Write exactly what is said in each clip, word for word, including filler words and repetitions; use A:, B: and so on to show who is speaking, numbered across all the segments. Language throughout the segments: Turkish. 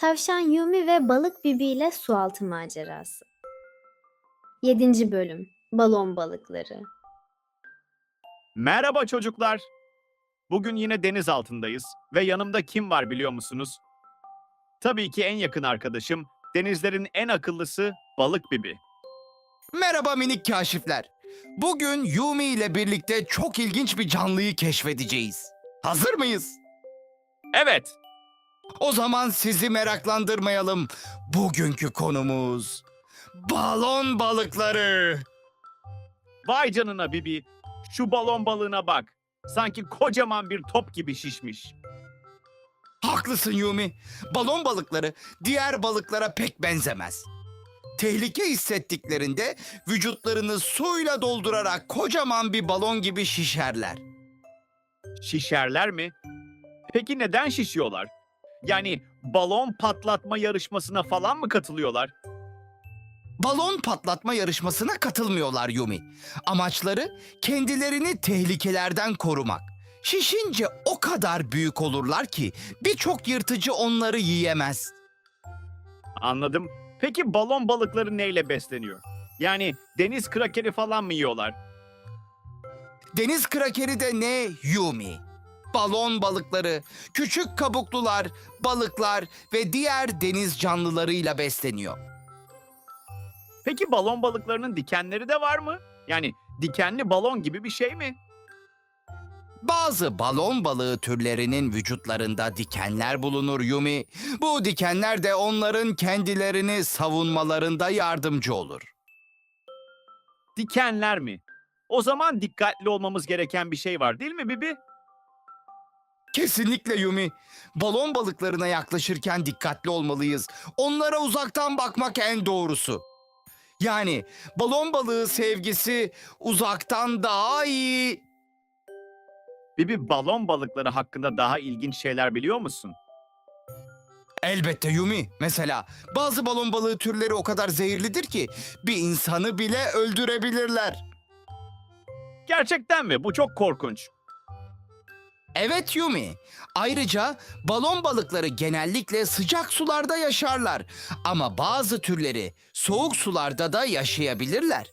A: Tavşan Yumi ve Balık Bibi ile Sualtı Macerası. Yedinci Bölüm Balon Balıkları.
B: Merhaba çocuklar. Bugün yine deniz altındayız ve yanımda kim var biliyor musunuz? Tabii ki en yakın arkadaşım, denizlerin en akıllısı Balık Bibi.
C: Merhaba minik kaşifler. Bugün Yumi ile birlikte çok ilginç bir canlıyı keşfedeceğiz. Hazır mıyız?
B: Evet,
C: O zaman sizi meraklandırmayalım. Bugünkü konumuz balon balıkları.
B: vay canına Bibi. Şu balon balığına bak. Sanki kocaman bir top gibi şişmiş.
C: Haklısın Yumi. Balon balıkları diğer balıklara pek benzemez. Tehlike hissettiklerinde vücutlarını suyla doldurarak kocaman bir balon gibi şişerler.
B: Şişerler mi? Peki neden şişiyorlar? Yani balon patlatma yarışmasına falan mı katılıyorlar?
C: Balon patlatma yarışmasına katılmıyorlar Yumi. Amaçları kendilerini tehlikelerden korumak. Şişince o kadar büyük olurlar ki birçok yırtıcı onları yiyemez.
B: Anladım. Peki balon balıkları neyle besleniyor? Yani deniz krakeri falan mı yiyorlar?
C: Deniz krakeri de ne Yumi? Balon balıkları, küçük kabuklular, balıklar ve diğer deniz canlılarıyla besleniyor.
B: Peki balon balıklarının dikenleri de var mı? Yani dikenli balon gibi bir şey mi?
C: Bazı balon balığı türlerinin vücutlarında dikenler bulunur Yumi. Bu dikenler de onların kendilerini savunmalarında yardımcı olur.
B: Dikenler mi? O zaman dikkatli olmamız gereken bir şey var değil mi Bibi?
C: Kesinlikle Yumi. Balon balıklarına yaklaşırken dikkatli olmalıyız. Onlara uzaktan bakmak en doğrusu. Yani balon balığı sevgisi uzaktan daha iyi.
B: Bibi balon balıkları hakkında daha ilginç şeyler biliyor musun?
C: Elbette Yumi. Mesela bazı balon balığı türleri o kadar zehirlidir ki bir insanı bile öldürebilirler.
B: Gerçekten mi? Bu çok korkunç.
C: Evet Yumi. Ayrıca balon balıkları genellikle sıcak sularda yaşarlar. Ama bazı türleri soğuk sularda da yaşayabilirler.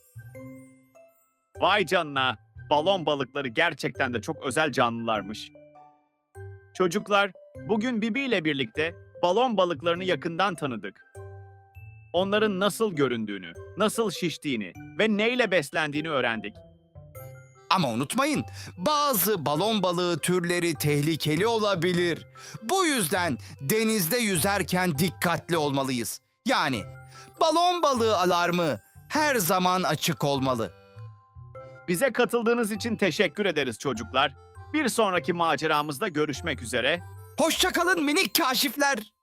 B: Vay canına. Balon balıkları gerçekten de çok özel canlılarmış. Çocuklar, bugün Bibi ile birlikte balon balıklarını yakından tanıdık. Onların nasıl göründüğünü, nasıl şiştiğini ve neyle beslendiğini öğrendik.
C: Ama unutmayın, bazı balon balığı türleri tehlikeli olabilir. Bu yüzden denizde yüzerken dikkatli olmalıyız. Yani balon balığı alarmı her zaman açık olmalı.
B: Bize katıldığınız için teşekkür ederiz çocuklar. Bir sonraki maceramızda görüşmek üzere.
C: Hoşça kalın minik kaşifler.